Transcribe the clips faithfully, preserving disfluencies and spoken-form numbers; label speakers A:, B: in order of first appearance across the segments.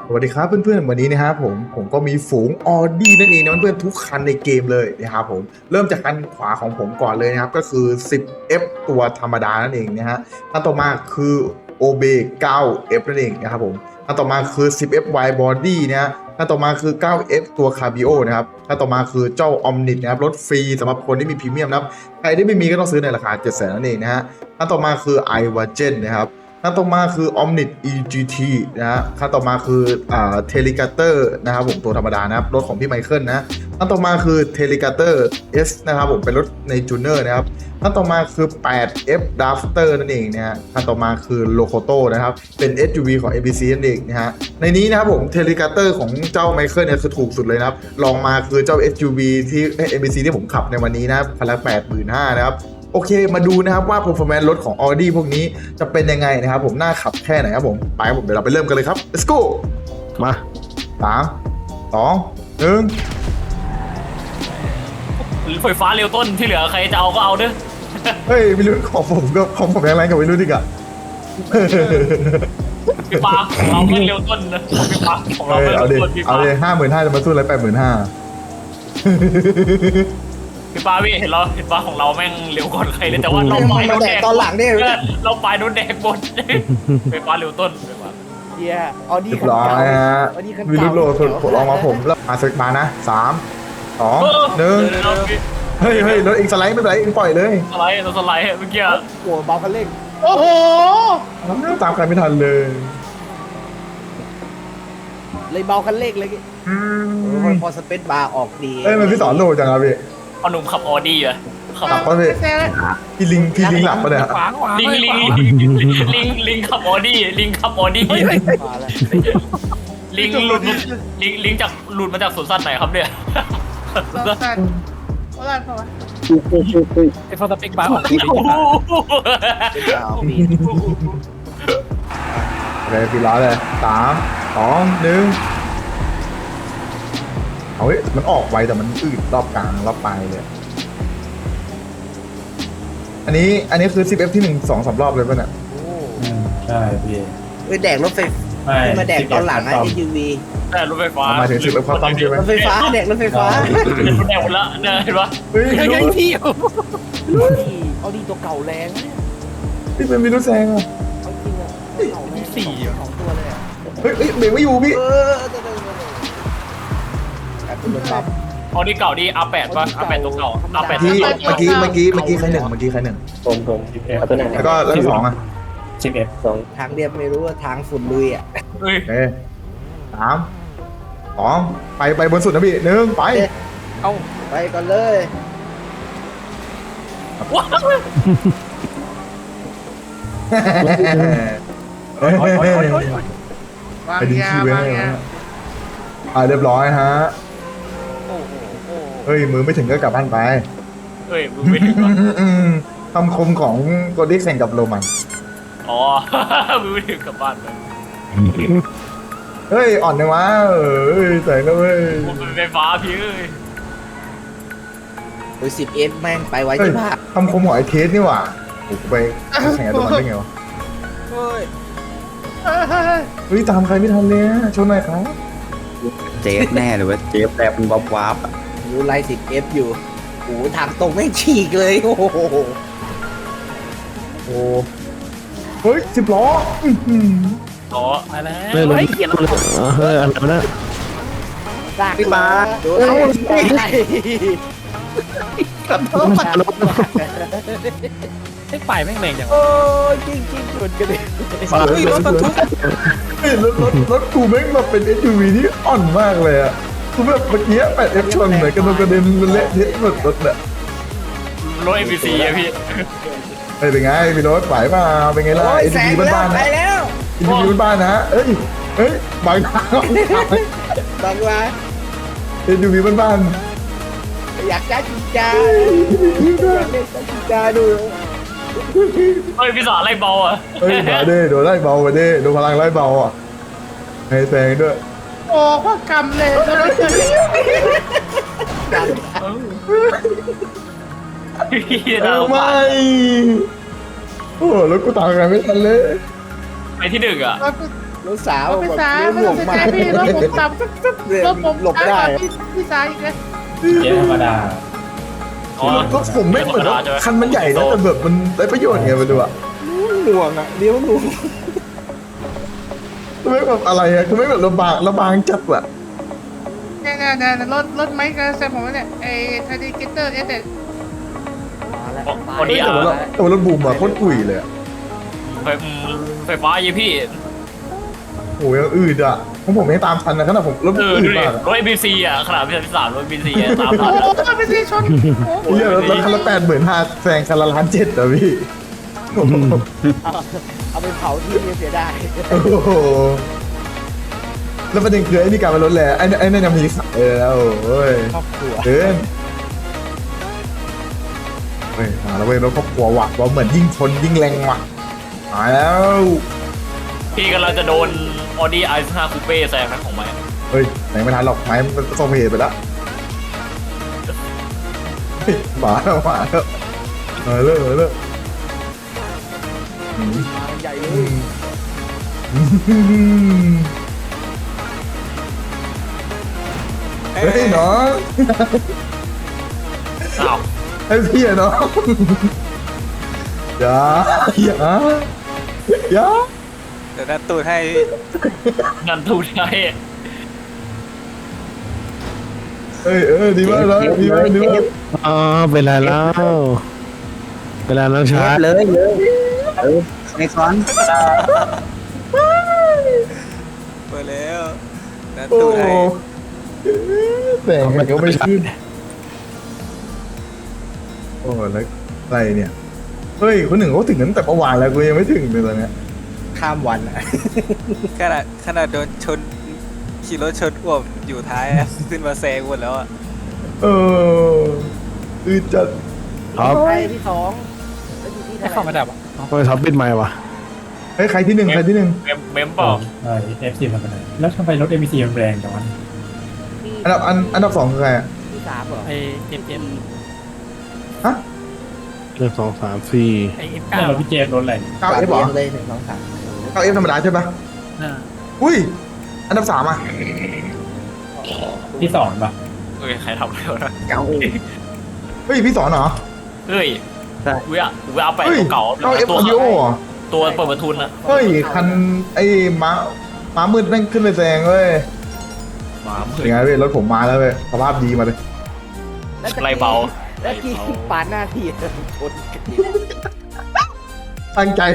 A: สวัสดีครับเพื่อนๆวันนี้นะครับผมผมก็มีฝูงออดี้นั่นเองนะเพื่อนๆทุกคันในเกมเลยนะครับผมเริ่มจากคันขวาของผมก่อนเลยนะครับก็คือ สิบ เอฟ ตัวธรรมดานั่นเองนะฮะคันต่อมาคือ โอ บี เก้า เอฟ นั่นเองนะครับผมคันต่อมาคือ สิบ เอฟ Wide Body นะฮะคันต่อมาคือ เก้า เอฟ ตัว Cabrio นะครับคันต่อมาคือเจ้า Omnit นะครับรถฟรีสำหรับคนที่มีพรีเมียมนะครับใครที่ไม่มีก็ต้องซื้อในราคา เจ็ดแสน นั่นเองนะฮะคันต่อมาคือ i w a g e n นะครับขั้นต่อมาคือ Omnit อี จี ที นะฮะขั้นต่อมาคืออ่า Telecaster นะครับผมตัวธรรมดานะครับรถของพี่ไมเคิลนะขั้นต่อมาคือ Telecaster S นะครับผมเป็นรถในจูเนอร์นะครับขั้นต่อมาคือ แปด เอฟ Drafter นั่นเองนะฮะขั้นต่อมาคือ Locoto นะครับเป็น เอส ยู วี ของ เอ บี ซี นั่นเองนะฮะในนี้นะครับผม Telecaster ของเจ้าไมเคิลเนี่ยคือถูกสุดเลยนะครับลองมาคือเจ้า เอส ยู วี ที่ เอ บี ซี ที่ผมขับในวันนี้นะครับคันละ แปดหมื่นห้าพัน นะครับโอเคมาดูนะครับว่า performance รถของ Audi พวกนี้จะเป็นยังไงนะครับผมน่าขับแค่ไหนครับผมไปครับผมเดี๋ยวเราไปเริ่มกันเลยครับ let's go
B: มา
A: สามสองหนึ่ง
C: หรือไฟฟ้าเร็วต้นที่เหลือใครจะเอาก็เอาเด้อ
A: เฮ้ยไม่รู้ของผมก็ของผมแรงๆกับไม่รู้ดิกอะ
C: ไฟฟ้าของเราไม่เร็วต้นนะไฟฟ้าของเรา
A: เฮ้
C: ไม่
A: ย
C: เร็
A: เอา
C: ว
A: ดิ
C: ต้นไฟ
A: เอา
C: ฟ้า
A: ดิห้าหมื่นห้าจะมาสู้อะไรแปดหมื่นห้า
C: ไฟฟ้าพี่เห็นเราเห็นฟ้าของเราแม่งเร็วกว่าใครเลยแต่ว่าเราปลายโดนแดก
D: ตอนหลังเนี่ย
C: เออเราปลายโดนแดกหมดไฟฟ้าเร็วต้นไฟฟ้า
D: เฮียเอาดี
A: เรียบร้อยฮะ
D: เอาดีคัน
A: วิ
D: เก่า
A: ลุโลสุดผมลองมาผมแล้วมาสึกมานะสามสองหนึ่ง
C: เออเราพี่
A: เฮ้ยเฮ้ยรถเองสไลด์ไม่เป็นไรเองปล่อยเลย
C: สไลด์เราสไลด์เมื่อกี้
D: โอ้เบาคันเร่งโอ้โห
A: ตามใครไม่ทันเลย
D: เลยเบาคันเร่งเลย
A: อื
D: เออ
A: ม
D: พอสเปซบาร์ออกดี
A: เอ้ยมันพี่สอนโลจังครับพี่
C: เอาหนุ่มขับออดี้อะขับ
A: หลับปะพี่พี่ลิงพี่ลิงหลับปะเนี่ย
C: ลิงลิงลิงลิงขับออดี้ลิงขับออดี้
D: มาแล้ว
C: ลิงหลุดลิงลิงจากหลุดมาจากสวนสัตว์ไหนครับเนี่ย
E: ไอ้ฟอร์ตปิกบาร์ออกดี
C: โอ้โห
D: เอาปี
A: โอเคพี่ร้อยเลยสามสองหนึ่งเอาเฮ้ยมันออกไวแต่มันอืดรอบกลางรอบปลายเลย อันนี้อันนี้คือ สิบ เอฟ ที่หนึ่ง สอง สามรอบเลยป่ะเนี่ย
E: ใช่พี่
D: เอ้ยแดกรถไฟมาแดกตอนหลังไอ้ เอส ยู วี
C: แต่รถไฟฟ้า
A: หมายถึงสิบ เอฟ เข้าต้อมใช่ไหม
D: รถไฟฟ้าแดกรถไฟฟ้า
C: รถแดงหมดละเนี่ยเห็นปะ
A: เฮ้ย
E: ยังยังพี่
D: เอาดีตัวเก่าแรงเนี่ย
A: พี่เป็นมิรุแซงอ่ะ
D: เอาจริงอะเก่าแรงสองตัวเลยอะ
A: เฮ้ยเฮ้ยเบรกไม่อยู่พี่
D: เออเดี๋ยวๆๆแบบรถบัม
C: ออดี้เก่าดีอาร์แปดป่ะอาร์แปดตัวเก่าอาร์แปด
A: ที่เมื่อกี้เมื่อกี้เมื่อกี้ใครหนึ่งเมื่อกี้ใครหนึ่ง
E: ผมผมสิบเอ็ดตัวไหน
A: แล้วก็แล้วที่สองอ่ะ
E: สิบเอ็ดสอง
D: ทางเรียบไม่รู้ว่าทางฝุ่นลุยอ่ะ
C: เฮ้ย
A: โอเคสามสองไปไปบนสุดนะพี่หนึ่งไป
D: เอาไปก่อนเลย
C: ว้าว
A: เฮ้ยเฮ้ยเฮ้ยเฮ้ยไปดึงคีย์ไว้ให้นะอ่าเรียบร้อยฮะ
D: โอ้โหโอ้โห
A: เฮ้ยมือไม่ถึงก็กลับบ้านไป
C: เฮ้ยมึงไม่ถึงวะ
A: อืมคำคมของโกดิแข่งกับโรมัน
C: อ๋อมึงไม่ถึงกลับบ้านเลย
A: เฮ้ย อ่อนจังวะเอ้ยแสงแล้วเว้ย
C: มึงเป็นไฟฟ้าพี่เอ้ย
D: โอ้ยสิบเอสแม่งไปไว้
A: เฮ้ย
D: ที่ภาค
A: คำคมของไอ้เทสนี่หว่าโอ้โหไปแข่งกับโรมันได้ไงวะ
D: เฮ้ย
A: เฮ้ย ตามใครไม่ทันเลยอะชนหน่อยครับ
B: เจฟแน่หรือว่าเจฟแต่เป็นบ๊อบวาร์ปอะ
D: รู้ไล่สิบเอฟอยู่โอ้โหทางตรงแม่งฉีกเลยโอ้โห
A: โอ้เฮ้ยสิบล้ออื้อหือ
C: อ๋อมาแล้ว
E: เฮ้ย
C: เฮ้ยเขียนแล้ว
E: เฮ้ยอะไรนะ
D: ลากมาโดนเอาไป
E: ไอ้ฝ่ายแม่งแรงจัง
D: โอ้ยจริงจริงชนกันเลย
E: เฮ้ยรถบรรทุก
A: เฮ้ยรถรถรถกูแม่งแบบเป็น เอส ยู วี ที่อ่อนมากเลยอะคือแบบเมื่อกี้แปดเอฟชนเลยกระโดดกระเด็นเละเทะหมดรถเนี่ย
C: รถเอ็มบีซีอะพี่
A: เฮ้ยเป็นไงมีรถไหวเปล่าเป็นไงล่ะ
D: โอ้ย
A: เอ็น
D: แสง
A: ดี
D: แล้ว
A: บ้านๆ
D: ไป
A: นะ
D: แล้ว
A: เอ็นดีบ้านๆนะเอ้ยเฮ้ยบางทาง
D: บางว่า
A: เอ็นดีบ้าน
D: อยากจ้าจิงจ้าอยากเล่นจ้าจิงจ้าดู
C: เฮ้ยพี่สอนอะไรเบาอ่ะ
A: ๆเฮ้ยมาดิโดนไล่เบามาดิโดนพลังไล่เบาอ่ะให้แซงด้วย
D: โอ้พ่อกรรมเลยแล้ว
C: พี่
A: เอ
C: น่า
A: อ
C: สง
A: ไม่
C: สาร
A: โอ้รถกูตามกันไม่ทันเลย
C: ไปที่หนึ่งอ่ะ
D: รถสาว
F: พี่
D: แบบ
F: สา
D: เลี้ยว
F: ไม่
D: ห่
F: ต้
D: ว
F: อง
D: ง
F: สน
D: มา
F: ใจ
D: ก
F: พี่รถผมต่ำปึ๊บปึ๊บรถผม
D: หลบได้
F: พี่พี่สายอีกเลย
E: เจ๊ธรรมดา
C: อ๋อ
A: รถผมไม่เหมือนว่าคันมันใหญ่นะแต่แบบมันได้ประโยชน์ไงไม่รู้อะ
D: ห่วงอ่ะเลี้ยวห่วง
A: ไม่แบบอะไรอะคือไม่แบบระบางระบางจัดอะ
F: เนี่ยเนี่ยเนี่ยรถรถไมค์กระแซมผมเนี่ยไอ้ทาร์ดิเกเตอร์เอสเนี่ย
C: พอดี
A: แต่
C: อ่ะ
A: ว่ารถแต่ว่ารถบูมอะโคตรกุ๋ยเลยอะ
C: ไฟไฟฟ้ายี่พี่
A: โอ้ยยังอืดอะของผมไม่ตามทันนะขนาดผมรถ
C: เออ
A: อื
C: ดู
A: ด
C: ดิ
A: มากอะ
C: รถเอ็มบีซีอ่ะขนาดพี่สามสามรถเอ็มบีซีตาม
F: โอ้
C: ทัน
F: โหเป็นสีชนโอ้โห
A: เหี้ยรถคันละแปดหมื่นห้าแซงคันละล้านเจ็ดอะพี่โอ้โห
D: เอาไปเผาที่เสียดาย
A: โอ้โหแล้วประเด็นคือไอ้นี่การมารถแหละไอ้ไอ้นั่นยังมีขายเลยแล้วโอ้ย
D: ครอบครัว
A: เกินเฮ้ยมาแล้วเว้ยรถครอบครัวว่ะว่าเหมือนยิ่งชนยิ่งแรงว่ะมาแล้ว
C: พี่กำลังจะโดนออดี้ไอซ์ห้าคูเป้แซงนะของไม้
A: เฮ้ยไหนไม่ทันหรอกไม้มันประสบเหตุไปแล้วเฮ้ยหมาแล้วหมาแล้วมาเลิกมาเลิกอืม
D: มาใหญ่เล
A: อื
D: ย
A: มอืมเฮ้ยน้อง
C: อ้าว
A: ไอ้พี่อะน้องอย่าอย่าอย่า
G: เดี๋ยวนัดตูดให้
C: นั่นทูใช่
A: เอ้ยเออดีมากแล้วดีมากดีมาก
E: อ๋อเป็นไรแล้วเวลาน้อง
B: เจ
E: ชา
B: ฟ
E: ร์จ
B: เลยเลยเออในคอน
G: เปิดแล้วนัด
A: โอ้
G: ตูดให้
A: แต่งมันก็ไม่ขึ้นโอ้แล้วอะไรเนี่ยเฮ้ยคนหนึ่งเขาถึงนั้นแต่เมื่อวานแล้วกูยังไม่ถึงเลยตอนเนี้ย
D: ข้ามวันอ่ะ
G: ขนาดขนาดโดนชนขี่รถชนอ้วมอยู่ท้ายอะ ขึ้นมาแซงหมดแล้วอ่ะ
A: เอออือจัด
E: ท็อป
D: ใครที่สองแล้วอยู่ที่เท่า
E: เข้า
D: ไห
E: มา
D: ร่
E: ดับอ่ะทำไมท็อปปิดไมค์วะ
A: เฮ้ยใครที่หนึ่งใครที่หนึ่ง
C: เมมเมมเปล่า
E: เออเอฟซีมันเป็นไรแล้วทำไมรถเอ็มบีซีมันแรงจังวะ
D: ที่
A: อันดับอันอันดับสองคือใครอะ
D: ที่สามเหรอ
E: ไอเอ็มเอ็ม
A: ฮะ
E: หนึ่งสองสามสี่ไอเอ็มเก้าเราพี่เจมรถอะไร
A: เก้าเอฟหรอ
D: เลยหนึ่งสองสาม
A: เก้าเอฟธรรมดาใช่ปะอุ้ยอันดับสามอ่ะ
E: ที่สองป่ะ
C: เฮ้ยใครทำอะไรวะนะ
D: เก้า
A: เฮ้ยพี่สอนเหรอ
C: เฮ้ยเว้ยเว้ยเอาไป
A: เฮ้ย
C: เก่า
A: เก้าเอฟ
C: ตัว
A: ออดิโอเหรอ
C: ตัวเปิดประทุนนะ
A: เฮ้ยคันไอ้ม้าม้ามืดแม่งขึ้นไปแซงเว้ย
C: หมาเมื
A: ยังไงเว้ยรถผมมาแล้วเว้ยสภาพดีมาเลย
C: ไรเบา
D: แล้วที่ปาดหน้าที่ชนกัน
A: ตั้งใจ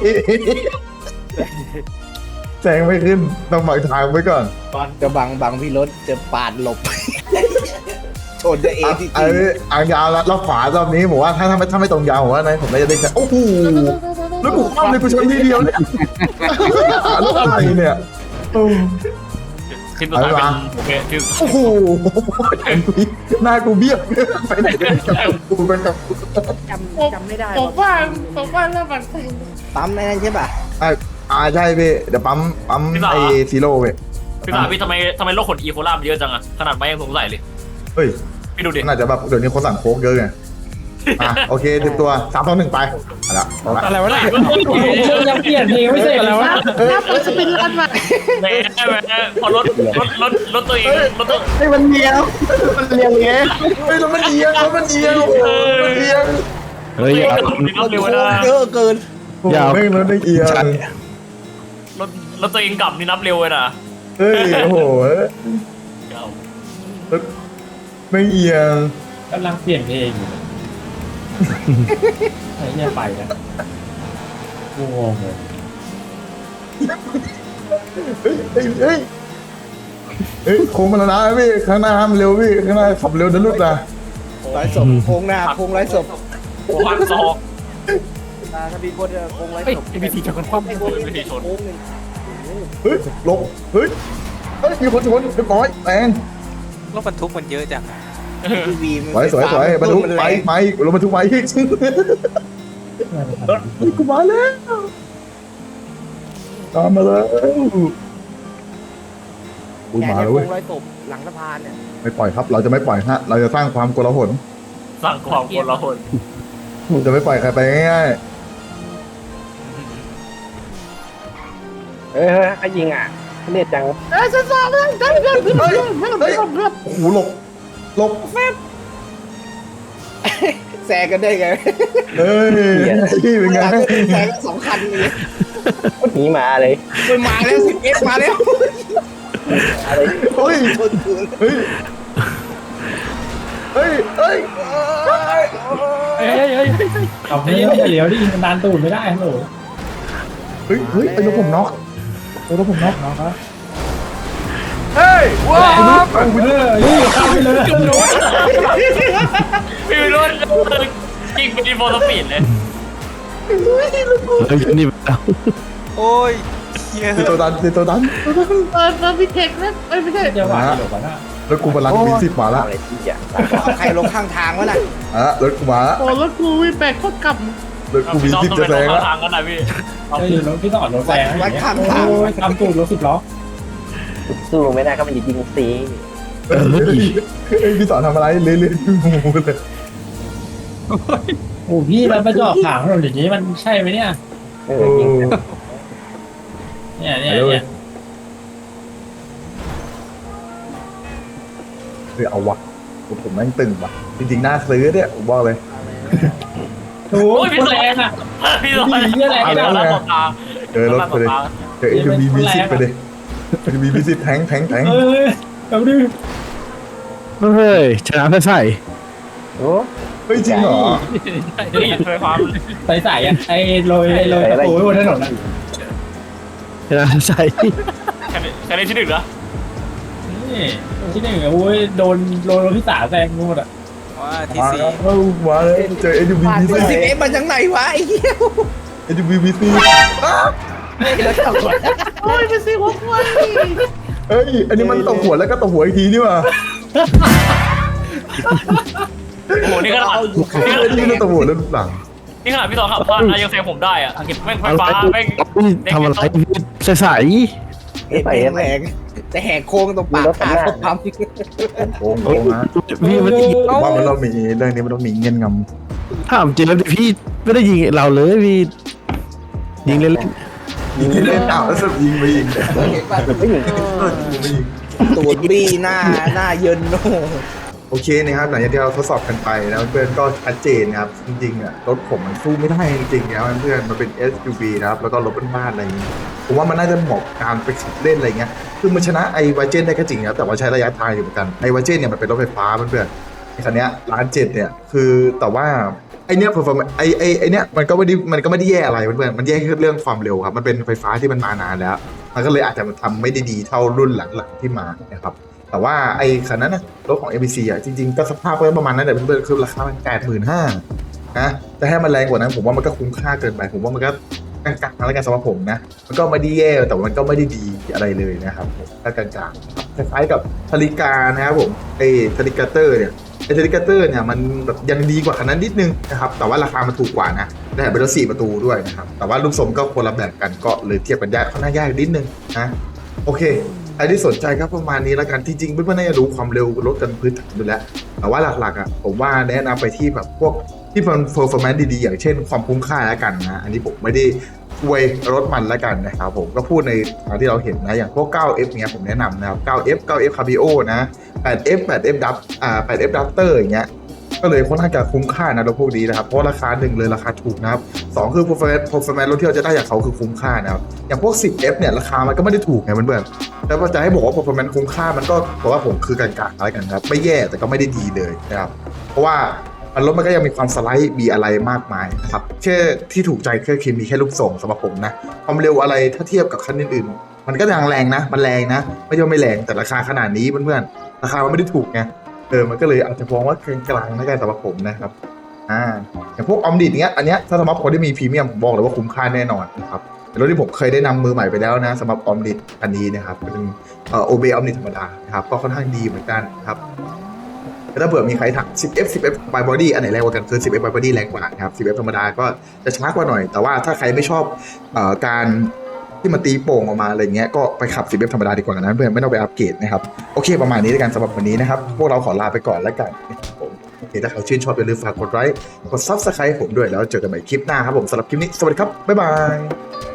A: แซงไม่ขึ้นต้องบังทางไว้ก่อน
D: จะบังบังพี่รถจะปาดหลบ ชนจะเอ
A: อ่ะ
D: ที่
A: ไอ้อ่างยาวแล้วรอบขวารอบนี้ผมว่าถ้าถ้าไม่ถ้าไม่ตรงยาวผมว่านะผมน่าจะได้แค่โอ้โหแล้วกูคว่ำเลยกูชนทีเดียวเนี่ยรถอะไรเนี่ยโอ้
C: ทีมสุดท้ายเป็นโอเคทีม
A: โอ้โหหน้ากูเบี้ยวไปไหนกันกับกูไปกับกู
D: จำจำไม่ได้
F: ผมว่าผมว่าเริ่มมัน
D: ปั๊มในนั้นใช่ป่ะ
A: อ่าอ่าใช่พี่เดี๋ยวปั๊มปั๊มไอ้ซีโร่เว้ย
C: พี่สาวพี่ทำไมทำไมโรคขนอีโคล่ามันเยอะจังอะขนาดไม่ยังสงสัยเลย
A: เฮ้ย
C: พี่ดูดิ
A: น่าจะแบบเดี๋ยวนี้คนสั่งโค้กเยอะไงอ่ะโอเคสิบตัวสามสองหนึ่งไปเอาละเอาละ
E: อะไรวะเนี่ยยังเปลี่ยนเพลงไม่ใช่อะไรวะ
F: ถ้าผมจะเป็นรันมา
C: แหม่แหม่พอรถรถรถรถตัวเองรถตัว
A: เฮ้ยมันเอียงมันเอียงไงเฮ้ยแล้วมันเอียงแล้วมันเอียงโอ้โหมันเอียง
E: เฮ้ย
C: รถตัวเองกลับนี่นับเร็วนะ
D: เยอะเกิน
A: โอ้โหแม่งรถได้เอียง
C: รถรถตัวเองกลับนี่นับเร็วเลยนะ
A: เฮ้ยโอ้โหรถไม่เอียง
E: กำลังเปลี่ยนเพลงอยู่ไอ้เนี่ยไปนะกูงงเลย
A: เฮ้ยเฮ้ยเฮ้ยเฮ้ยโค้งมาแล้วนะพี่ข้างหน้าห้ามเร็วพี่ข้างหน้าขับเร็วนะลูกนะ
D: ร้อยศพโค้งหน้าโค้งร้อยศพ
C: โอ้พันสอง
D: ถ้ามีคนโค้งร้อย
E: เฮ้ย
D: ศพ
E: เอ็มบีซีจะคนคว่ำ
D: ไม่โค้งไม่ชนโค้งหนึ่ง
A: เฮ้ยลงเฮ้ยเฮ้ยมีคนชนเรียบร้อยแรง
G: รถบรรทุกมันเยอะจังอะ
D: ทีวี
A: สวยสวยสวยบรรทุกไปไปลงบรรทุกไปอีกกูมาแล้วตามมาแล้วอุ้ย
D: แก
A: มา
D: เนี่ย
A: แล้ว
D: โค้
A: เว้ย
D: งร้อยศพหลังสะพานเนี่ย
A: ไม่ปล่อยครับ เราจะไม่ปล่อยฮะ เราจะสร้างความโกลาหล
C: สั่งความคนละคน
A: จะไม่ปล่อยใครไปง่าย
D: เออใครยิงอ่ะเรียกจัง
F: เอ้ยฉันสอบแล้วได้เงินเพื่อนเพื่อนเพื่อนเพื่อนเพื่อน
A: โอ้โหหลบหลบ
D: แซงกันได้ไง
A: เอ้ยเป็นไง
D: แซงสองคันเลยหนีมาเลยมันมาแล้วสิบเอ็กมาแล้วอะไร
A: เฮ้ย
D: ชนคืน
A: เฮ้ยเฮ้ยเฮ้ย
H: เฮ้ยเฮ้ยเฮ้ยขับไม่ไม่เหลียวดิมันดันตูดไม่ได้ฮัลโหล
A: เฮ้ยเฮ้ยไอ้รถผมน็อกไอ้รถผมน็อก
H: น้องครับ
C: เฮ้ยว้าว
H: เอาไปเลยนี่เข้าไปเลย
C: พี่วิโรจน์ยิงไปที่โฟล์สปีดเลย
E: เฮ้ยนี่เอา
G: โอ้ยเฮีย
A: เป็นตัวดันเป็นตัวดัน
F: เออเออพี่เทคนะเอ้ยไม่ใช่
H: จะหวานหรอกวะน่ะ
A: รถกูพลังมีสิบมาละ
D: อะไรที่จะเอาใครลงข้างทางวะน่ะ
A: อ่ะรถกูมาละ
F: โอ้รถกูวิ่งแบกโคตรกลับ
A: รถกูมี
C: พี่ต้อง
A: สิบ
C: ต้อง
A: จะ
C: ไป
A: แซง
C: ล
A: ละ
C: งทางกันนะพี่
H: เฮ้ยรถพี่ต้องอดรถแซงอย่างเงี้ยโอ้ยทำตูดรถสิบล้อ
D: สู้ไม่ได้ก็มันยิงซี
A: เฮ้ยพี่สอนทำอะไรเรื่อยๆงูเลย
H: โอ้พี่แล้วมาจอดขางถนนอย่างนี้มันใช่ไหมเนี่ย
D: เออยิง
H: เนี่ยเนี่ยเนี่ย
A: เฮ้ยเอาวะผมแม่งตึงว่ะจริงๆน่าซื้อเนี่ยผมบอกเลย
H: โอ้ยพี่แรงอ่ะ
C: พี่ต้อง
H: พี่เหี้ยแรง
C: พี่
H: ไม่
C: ต้
H: ได้
C: อง
H: แล้
C: รั
H: ว
C: บต่อทาง
A: เจอรถไปเลยเจอเอ็นบีมีสิบไปเลยเอ็นบีมีสิบแทงแทงแทง
H: เออแบบนี้
E: เฮ้ยชนะใส่
D: โอ้
A: เฮ้ยจริงเหรอ
C: นี่ไฟฟ้า
H: ใส่ใส่อะไอ้โรยโรยตะปูบนถนนอะ
E: ชนะใส่
C: แค่นี้แค่นี้ที่หนึ่งเหรอ
H: นี่ที่หนึ่งอะโอ้ยโดนโดนที่สามแซงหมดอ่ะ
G: ว่าที่สี่
A: เอ้ามาเลยเจอเอ็นบีมีสิบ
D: สิบเอ็กมาจากไหนวะไอ้เหี้ย
A: เอ็นบีมีสิบ
F: โอ้ยไปซื้อหัวควาย
A: เฮ้ยอันนี้มันตบหัวแล้วก็ตบหัวอีกทีนี่ว่ะ
C: โอ้โหนี่ขนาด
A: นี่มันตบหัวแล้วหลัง
C: นี่ขนาดพี่สองขับพลาดนะยังแซงผมได้อะแม่งไฟฟ้าแม่ง
E: ทำอะไรใส่ใส่
D: ไอ้ไปแหกจะแหกโค้งตรงปากขาเขาปั๊ม
A: โอ้โหนะ
E: พี่มัน
A: ว่ามันเรามีเรื่องนี้มันต้องมีเงื่อนงำ
E: ถามจริงแล้วพี่ไม่ได้ยิงเราเลยพี่ยิงเล่น
A: ยิงเล่นอ้าวแล้วสรุปยิงไปยิง
D: เห็นป่ะไม่ยิง
A: เออยิงไปยิง
D: ตูดบี้หน้าหน้าเยินโน่
A: โอเคนะครับหลังจากที่เราทดสอบกันไปแล้วเพื่อนก็ชัดเจนนะครับจริงๆอ่ะรถผมมันสู้ไม่ได้จริงๆนะครับเพื่อนมันเป็น เอส ยู วี นะครับแล้วก็รถบ้านๆอะไรอย่างนี้ผมว่ามันน่าจะเหมาะการไปขับเล่นอะไรเงี้ยคือมันชนะไอวาเจนได้ก็จริงนะแต่ว่าใช้ระยะทางอยู่เหมือนกันไอวาเจนเนี่ยมันเป็นรถไฟฟ้าเพื่อนๆไอคันเนี้ยล้านเจ็ดเนี่ยคือแต่ว่าไอเนี้ย performance ไอไอไอเนี้ยมันก็ไม่ได้มันก็ไม่ได้แย่อะไรเพื่อนๆมันแย่แค่เรื่องความเร็วครับมันเป็นไฟฟ้าที่มันมานานแล้วมันก็เลยอาจจะทำไม่ได้ดีเท่ารุ่นหลังๆที่มานะครับแต่ว่าไอ้คันนั้นนะรถของ เอ บี ซี อ่ะจริงๆก็สภาพก็ประมาณนั้นแหละเพื่อนๆคือราคามันแปดหมื่นห้านะแต่ให้มันแรงกว่านั้นผมว่ามันก็คุ้มค่าเกินไปผมว่ามันก็กลางๆแล้วกันสำหรับผมนะมันก็ไม่ได้แย่แต่มันก็ไม่ได้ดีอะไรเลยนะครับผมก็กลางๆคล้ายๆกับทาริกานะครับผมไอ้ทาริกาเตอร์เนี่ยไอ้ทาริกาเตอร์เนี่ยมันแบบยังดีกว่าคันนั้นนิดนึงนะครับแต่ว่าราคามันถูกกว่านะได้เป็นรถสี่ประตูด้วยนะครับแต่ว่ารูปทรงก็คนละแบบกันก็เลยเทียบกันยากค่อนข้างยากนิดนึงนะโอเคใครที่สนใจครับประมาณนี้แล้วกันที่จริงเพื่อนๆน่าจะรู้ความเร็วรถกันพื้นฐานอยู่แล้วแต่ว่าหลักๆอ่ะผมว่าแนะนำไปที่แบบพวกที่มัน performance ดีๆอย่างเช่นความคุ้มค่าแล้วกันนะอันนี้ผมไม่ได้อวยรถมันแล้วกันนะครับผมก็พูดในทางที่เราเห็นนะอย่างพวก เก้าเอฟ เนี้ยผมแนะนำนะครับ เก้าเอฟ เก้าเอฟ Cabrio นะ แปดเอฟ แปดเอฟ Dub อ่า แปดเอฟ Duster อย่างเงี้ยก็เลยค่อนข้างจะคุ้มค่านะรถพวกนี้นะครับเพราะราคาหนึ่งเลยราคาถูกนะครับสองคือ performance performance รถที่เราจะได้จากเขาคือคุ้มค่านะครับอย่างพวก สิบเอฟ เนี่ยราคามันก็ไม่ได้ถูกไงเพื่อนๆแล้วจะให้บอกว่า performance คุ้มค่ามันก็บอกว่าผมคือกลางๆอะไรกันครับไม่แย่แต่ก็ไม่ได้ดีเลยนะครับเพราะว่ามันรถมันก็ยังมีความสไลด์มีอะไรมากมายนะครับแค่ที่ถูกใจแค่คือมีแค่ลูกส่งสำหรับผมนะความเร็วอะไรถ้าเทียบกับคันอื่นๆมันก็ยังแรงนะมันแรงนะไม่ใช่ว่าไม่แรงแต่ราคาขนาดนี้เพื่อนๆราคามันไม่ได้ถูกไงเออมันก็เลยอาจจะมองว่ากลางๆในการสำหรับผมนะครับอ่าอย่างพวกออมดิดเนี้ยอันเนี้ยถ้าสำหรับคนที่มีพรีเมียมผมบอกเลยว่าคุ้มค่าแน่นอนนะครับเป็นรถที่ผมเคยได้นำมือใหม่ไปแล้วนะสำหรับออมดิดอันนี้นะครับเป็นเอ่อโอเบออมดิดธรรมดานะครับก็ค่อนข้างดีเหมือนกันนะครับถ้าเผื่อมีใครถาม สิบเอฟ สิบเอฟ by body อันไหนแรงกว่ากันคือ สิบเอฟ by body แรงกว่านะครับ สิบเอฟ ธรรมดาก็จะช้ากว่าหน่อยแต่ว่าถ้าใครไม่ชอบเอ่อการที่มันตีโป่งออกมาอะไรเงี้ยก็ไปขับ สิบเอฟ ธรรมดาดีกว่านะเพื่อนไม่ต้องไปอัปเกรดนะครับโอเคประมาณนี้ด้วยกันสำหรับวันนี้นะครับพวกเราขอลาไปก่อนแล้วกันนะครับผมโอเคถ้าใครชื่นชอบอย่าลืมฝากกดไลค์กด ซับสไครบ์ ผมด้วยแล้วเจอกันใหม่คลิปหน้าครับผมสำหรับคลิปนี้สวัสดีครับบ๊ายบาย